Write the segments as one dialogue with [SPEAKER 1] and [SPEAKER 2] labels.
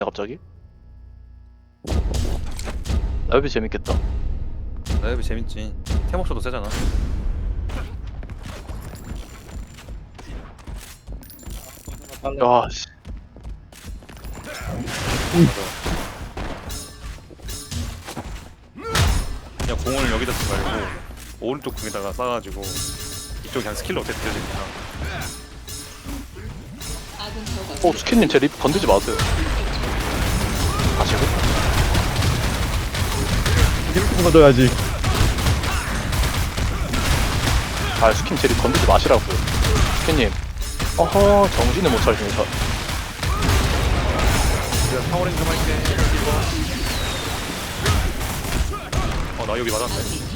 [SPEAKER 1] 갑자기? 나이브 재밌겠다.
[SPEAKER 2] 라이브 재밌지. 테모쇼도 세잖아.
[SPEAKER 1] 야, 씨.
[SPEAKER 2] 그냥 공을 여기다 쓰지 말고 오른쪽 공에다가 쏴가지고 이쪽 그냥 스킬로 어떻게 띄워집니까?
[SPEAKER 1] 스킨님 제 립 건드지 마세요. 다시고?
[SPEAKER 3] 이렇게 받아야지.
[SPEAKER 1] 아, 스킨 제 립 건드지 마시라고요. 스킨님. 어허, 정신을 못 차리시네, 저.
[SPEAKER 2] 내가 파워링 좀 할게. 나 여기 맞았네.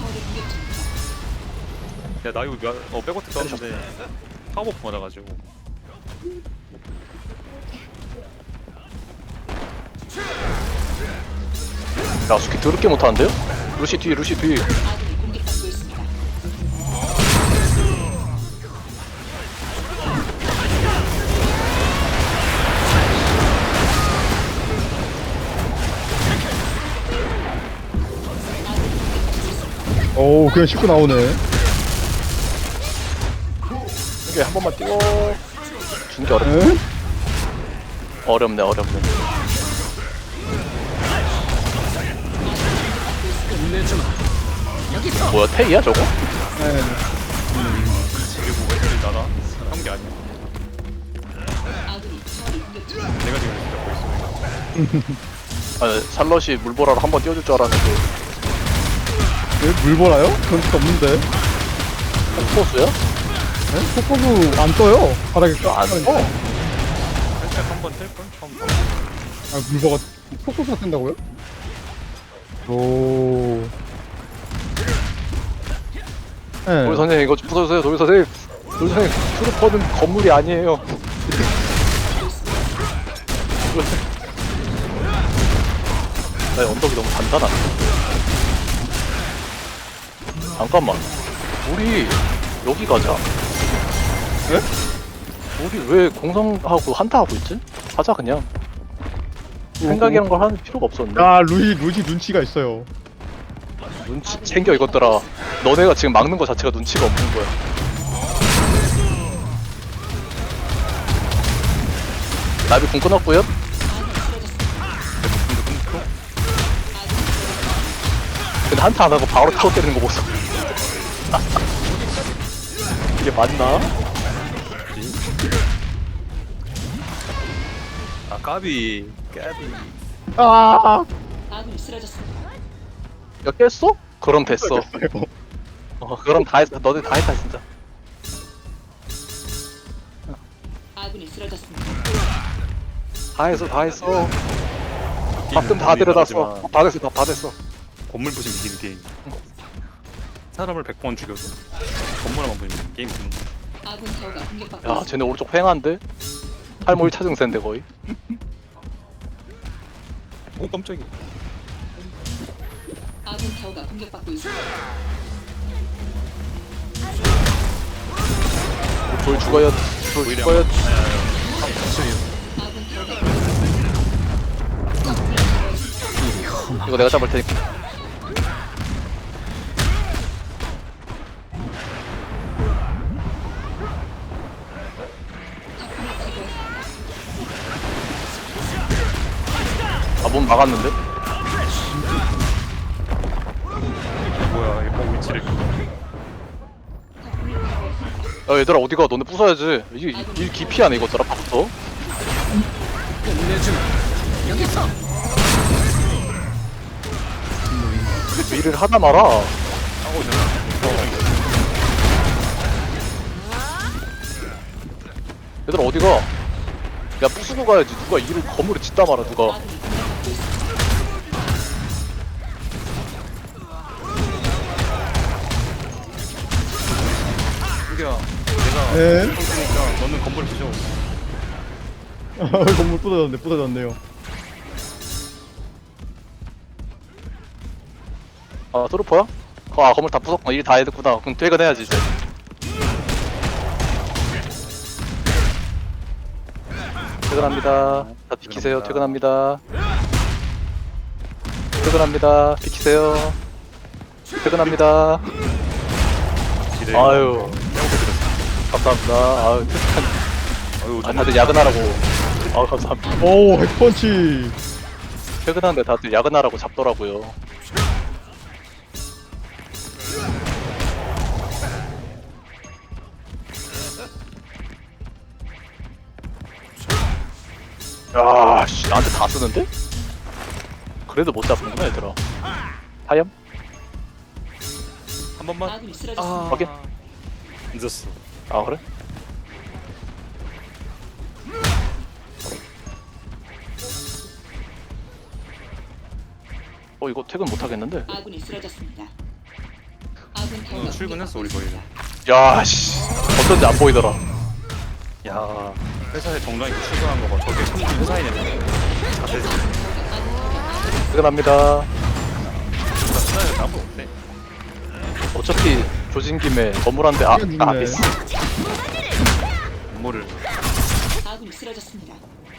[SPEAKER 2] 야, 나 여기 백워트 떴는데 파워버프 맞아가지고.
[SPEAKER 1] 야, 스킨 더럽게 못하는데요? 루시 뒤, 루시 뒤.
[SPEAKER 3] 오, 그냥 쉽게 나오네.
[SPEAKER 1] 이게 한 번만 띄워. 주는 게 어렵네.
[SPEAKER 3] 에?
[SPEAKER 1] 어렵네, 어렵네. 뭐야, 테이야, 저거?
[SPEAKER 3] 네.
[SPEAKER 2] 그리고 왜 저리 나가? 한 게 아니야. 내가 지금 이렇게 잡고 있어.
[SPEAKER 1] 아, 살럿이 물보라로 한 번 띄워줄 줄 알았는데.
[SPEAKER 3] 왜 물보라요? 그런 적 없는데.
[SPEAKER 1] 폭포수야?
[SPEAKER 3] 네? 속보부 안 떠요. 바닥에
[SPEAKER 1] 안 떠.
[SPEAKER 2] 살짝 한번 뗄걸? 처음 봐.
[SPEAKER 3] 아, 물보가 속보부가 뜬다고요? 오. 네.
[SPEAKER 1] 도리 선생님, 이거 좀 부숴주세요, 도리 선생님. 도리 선생님, 트루퍼는 건물이 아니에요. 나 언덕이 너무 단단하네. 잠깐만. 우리 여기 가자.
[SPEAKER 3] 네?
[SPEAKER 1] 우리 왜 공성하고 한타하고 있지? 하자 그냥. 생각이란 걸 하는 필요가 없었는데.
[SPEAKER 3] 야, 루시 눈치가 있어요.
[SPEAKER 1] 눈치 챙겨 이것들아. 너네가 지금 막는 거 자체가 눈치가 없는 거야. 나비 궁 끊었고요. 근데 한타 안 하고 바로 타워 때리는 거 보소. 이게 맞나?
[SPEAKER 2] 아, 까비.
[SPEAKER 3] 아!
[SPEAKER 4] 아군이 쓰러졌습니다.
[SPEAKER 1] 야 깼어? 그럼 됐어. 그럼 다 했어. 너네 다 했다 진짜.
[SPEAKER 4] 아군이 쓰러졌습니다.
[SPEAKER 1] 다 했어, 다 했어. 밥좀 다 들여놨어. 다 됐어, 다 됐어.
[SPEAKER 2] 건물 부심 이기는 게임. 사람을 100번 죽여도 건물 하나만 부시면 게임 끝나.
[SPEAKER 4] 아군 타워가 공격받고
[SPEAKER 1] 야,
[SPEAKER 4] 있습니다.
[SPEAKER 1] 쟤네 오른쪽 횡한데? 할머니 차증세인데 거의.
[SPEAKER 2] 오, 깜짝이야.
[SPEAKER 4] 아군 타워가 공격받고 있습니다.
[SPEAKER 1] 돌 죽어야, 돌 죽어야.
[SPEAKER 4] 아군 타워가
[SPEAKER 1] 이거 내가 잡을 테니까. 아, 몸 막았는데?
[SPEAKER 2] 뭐야, 이거 위치를.
[SPEAKER 1] 야, 얘들아 어디가? 너네 부숴야지. 이게 일 기피하네 이것들아. 밥부터. 일을 하다 말아.
[SPEAKER 2] 하고 있잖아.
[SPEAKER 1] 얘들아 어디가? 야, 부수고 가야지. 누가 일을 건물에 짓다 말아 누가.
[SPEAKER 4] 아군이 공격받고 있습니다.
[SPEAKER 2] 여기야, 내가
[SPEAKER 3] 네.
[SPEAKER 2] 그러니까 너는 건물 부셔.
[SPEAKER 3] 건물 부서졌네요.
[SPEAKER 1] 아, 트루퍼야? 아, 건물 다 부쉈구나. 일 다 해뒀구나. 그럼 퇴근해야지 이제. 퇴근합니다. 다 비키세요. 퇴근합니다. 퇴근합니다. 비키세요. 퇴근합니다.
[SPEAKER 2] 기대.
[SPEAKER 1] 아유. 감사합니다. 아유, 퇴근.
[SPEAKER 2] 아유,
[SPEAKER 1] 아, 다들 야근하라고. 아유, 감사합니다.
[SPEAKER 3] 오, 핵펀치.
[SPEAKER 1] 퇴근하는데 다들 야근하라고 잡더라고요. 야, 씨, 나한테 다 쓰는데? 그래도 못 잡는구나, 얘들아. 하염?
[SPEAKER 2] 한 번만.
[SPEAKER 4] 아군이 쓰러졌습니다.
[SPEAKER 1] 확인.
[SPEAKER 2] 늦었어.
[SPEAKER 1] 아, 그래? 이거 퇴근 못 하겠는데?
[SPEAKER 4] 아군이 쓰러졌습니다. 아군 타워가
[SPEAKER 2] 출근했어 우리
[SPEAKER 4] 공격받고
[SPEAKER 2] 거의.
[SPEAKER 1] 야, 씨. 어쩐지 안 보이더라.
[SPEAKER 2] 야 회사에 정장 입고 출근한 거봐. 저게 참 회사인이네. 다들
[SPEAKER 1] 퇴근합니다.
[SPEAKER 2] 회사에 아무도 없대.
[SPEAKER 1] 어차피 조진 김에 건물한데 아비스.
[SPEAKER 2] 업무를
[SPEAKER 4] 있습니다. 아군이 쓰러졌습니다.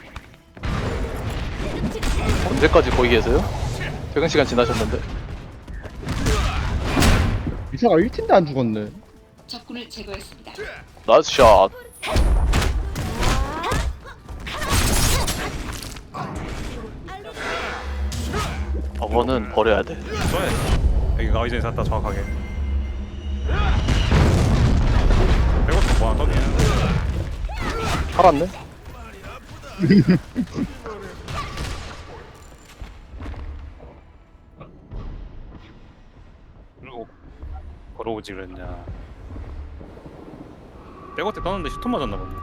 [SPEAKER 1] 언제까지 거기 계세요? 퇴근 시간 지나셨는데.
[SPEAKER 3] 미사가 1팀도 안 죽었네.
[SPEAKER 4] 적군을 제거했습니다.
[SPEAKER 1] 나이스 샷. 저거는 버려야 돼.
[SPEAKER 2] 써야 돼. 여기 가기 전에 샀다 정확하게. 배고프 뭐야 떠기는.
[SPEAKER 1] 살았네?
[SPEAKER 2] 그리고 걸어오지 그랬냐. 백어택 떴는데 슈터 맞았나 보네.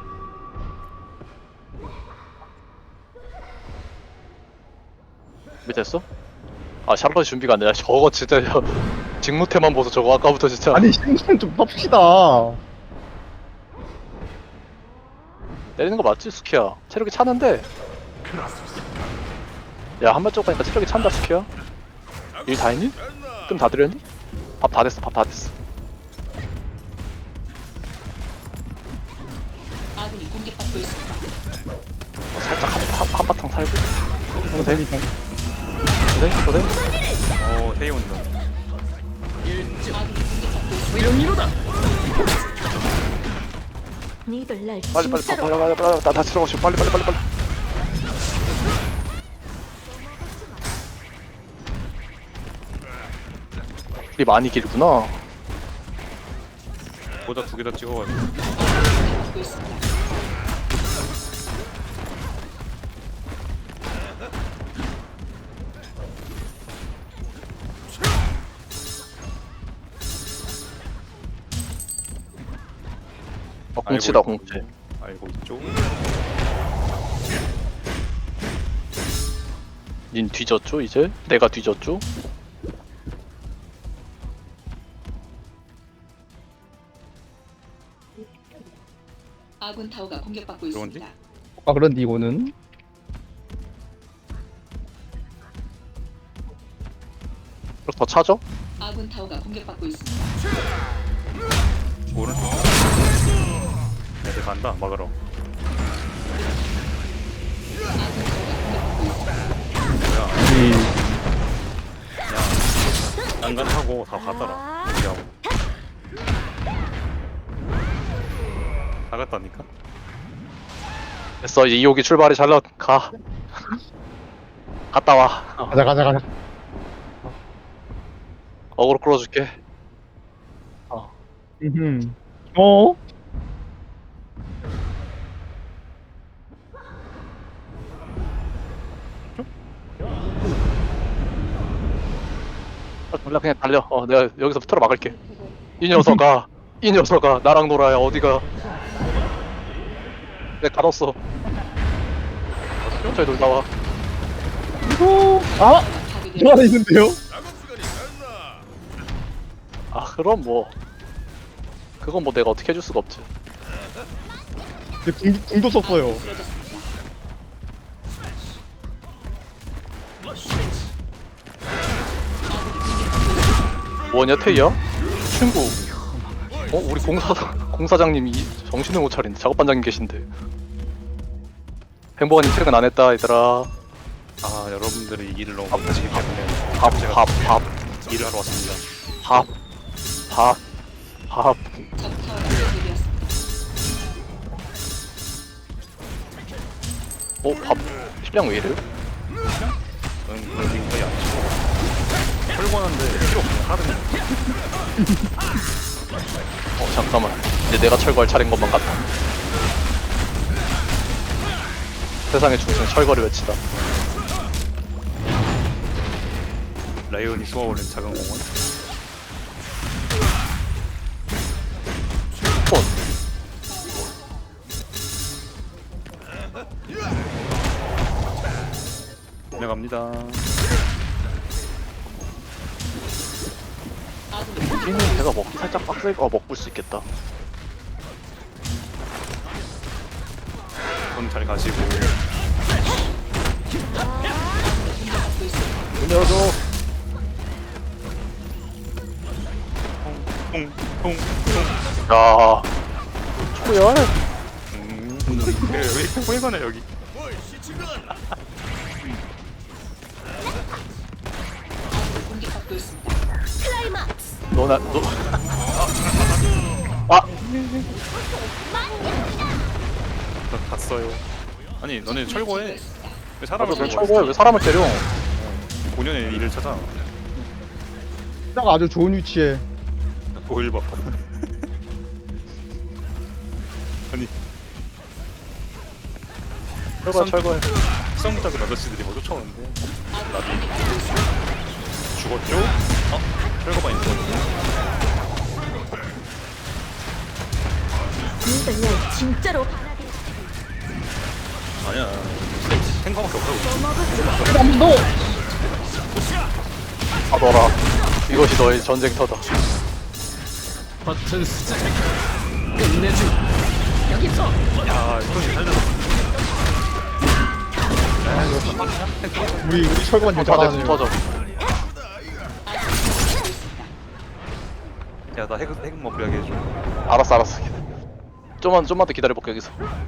[SPEAKER 1] 밑에 어 아, 샬럿 준비가 안 돼. 저거 진짜 직무태만 보서 저거 아까부터 진짜
[SPEAKER 3] 아니, 신경 좀 탑시다.
[SPEAKER 1] 때리는 거 맞지, 스키야? 체력이 차는데. 야, 한발 쪽 가니까 체력이 찬다, 스키야. 일 다 했니? 좀 다 드렸니? 밥 다 됐어, 밥 다 됐어.
[SPEAKER 4] 아군이 공격받고 있습니다.
[SPEAKER 1] 살짝 한바탕 살고.
[SPEAKER 3] 어, 대리장.
[SPEAKER 1] 그래?
[SPEAKER 2] 태희 온다.
[SPEAKER 4] 아군이 공격받고 있습니다.
[SPEAKER 5] 니들 날
[SPEAKER 1] 빨리
[SPEAKER 5] 진짜로
[SPEAKER 1] 나 다시 들어가시오. 빨리. 이 많이 길구나.
[SPEAKER 2] 모자 2개 다 찍어가지고.
[SPEAKER 4] 공격받고 있습니다.
[SPEAKER 1] 공치다, 공치.
[SPEAKER 2] 알고 있죠.
[SPEAKER 1] 닌 뒤졌죠, 이제? 내가 뒤졌죠?
[SPEAKER 4] 아군 타워가 공격받고
[SPEAKER 2] 그런지?
[SPEAKER 4] 있습니다.
[SPEAKER 3] 아, 그런데 이거는?
[SPEAKER 1] 그럼 더 차죠?
[SPEAKER 4] 아군 타워가 공격받고 있습니다.
[SPEAKER 2] 오른쪽. 애들 간다 막으러.
[SPEAKER 4] 아군 타워가 공격받고 있습니다.
[SPEAKER 2] 뭐야?
[SPEAKER 3] 이,
[SPEAKER 2] 그냥 난간하고 다 갔더라. 우리하고. 다 갔다니까?
[SPEAKER 1] 됐어, 이제 2호기 출발이 잘 가. 갔다 와.
[SPEAKER 3] 가자.
[SPEAKER 1] 어그로 끌어줄게.
[SPEAKER 3] 어?
[SPEAKER 1] 몰라, 그냥 달려. 내가 여기서 틀어 막을게. 이 녀석아, 나랑 놀아야 어디가. 내가 가뒀어. 천천히 놀다 와.
[SPEAKER 3] 아! 저 안에 있는데요?
[SPEAKER 1] 아, 그럼 뭐. 그건 뭐 내가 어떻게 해줄 수가 없지.
[SPEAKER 3] 근데 궁도 썼어요.
[SPEAKER 4] 쓰러졌습니다.
[SPEAKER 1] 뭐냐, 태희야? 친구. 우리 공사장님이 정신을 못 차린데. 작업반장님 계신데. 행복한님 퇴근 안 했다 얘들아.
[SPEAKER 2] 아 여러분들이 이 일을 너무 못하시기 때문에
[SPEAKER 1] 밥
[SPEAKER 2] 제가
[SPEAKER 1] 밥 밥
[SPEAKER 2] 일을 하러 왔습니다.
[SPEAKER 1] 밥 밥 밥.
[SPEAKER 4] 적 타워가 파괴되었습니다.
[SPEAKER 1] 밥 식량 왜 이래요?
[SPEAKER 2] 그런 게 거의 아니고 철권한데 필요 없네 하루는.
[SPEAKER 1] 잠깐만. 이제 내가 철거할 차례인 것만 같다. 세상의 중심 철거를 외치다.
[SPEAKER 2] 라이온이 쏘아올린 작은 공원.
[SPEAKER 1] 폰.
[SPEAKER 2] 내갑니다.
[SPEAKER 4] 아군이
[SPEAKER 1] 여기는 제가 먹기 살짝 빡셀 먹을 수 있겠다.
[SPEAKER 2] 그럼 잘 가시고.
[SPEAKER 4] 공격받고 있습니다.
[SPEAKER 1] 문 열어줘.
[SPEAKER 2] 통통통.
[SPEAKER 1] 야. 초열.
[SPEAKER 2] 왜 이렇게 호해가네 여기.
[SPEAKER 4] 아군이 공격받고 있습니다.
[SPEAKER 1] 너나 너. 아.
[SPEAKER 2] 나 갔어요. 아니 너네 철거해.
[SPEAKER 4] 제거했습니다.
[SPEAKER 2] 왜 사람을
[SPEAKER 1] 왜
[SPEAKER 2] 철거해?
[SPEAKER 1] 철거해? 왜 사람을 때려?
[SPEAKER 2] 본연의 일을 찾아.
[SPEAKER 3] 딱 아주 좋은 위치에.
[SPEAKER 2] 보일 봐. 아니
[SPEAKER 1] 철거해.
[SPEAKER 2] 수영 작은 아저씨들이 뭐 쫓아오는데
[SPEAKER 4] 아군이 공격받고 있습니다.
[SPEAKER 2] 죽었죠? 철거반이 죽었죠?
[SPEAKER 5] 이번엔 진짜로
[SPEAKER 2] 아니야. 탱커밖에 없다고.
[SPEAKER 3] 한번 더.
[SPEAKER 1] 가둬라. 이것이 너의 전쟁터다.
[SPEAKER 2] 야, 이건 살렸어.
[SPEAKER 3] 우리 철거만 좀
[SPEAKER 1] 터져
[SPEAKER 3] 잘하네.
[SPEAKER 1] 터져.
[SPEAKER 2] 야, 나 핵 먹으려게 해줘.
[SPEAKER 1] 알았어. 좀만 더 기다려볼게 여기서.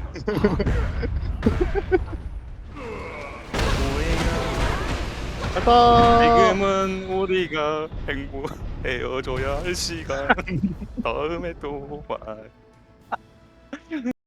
[SPEAKER 3] 갔다.
[SPEAKER 2] 지금은 우리가 헤어져야 할 시간. 다음에 또 봐.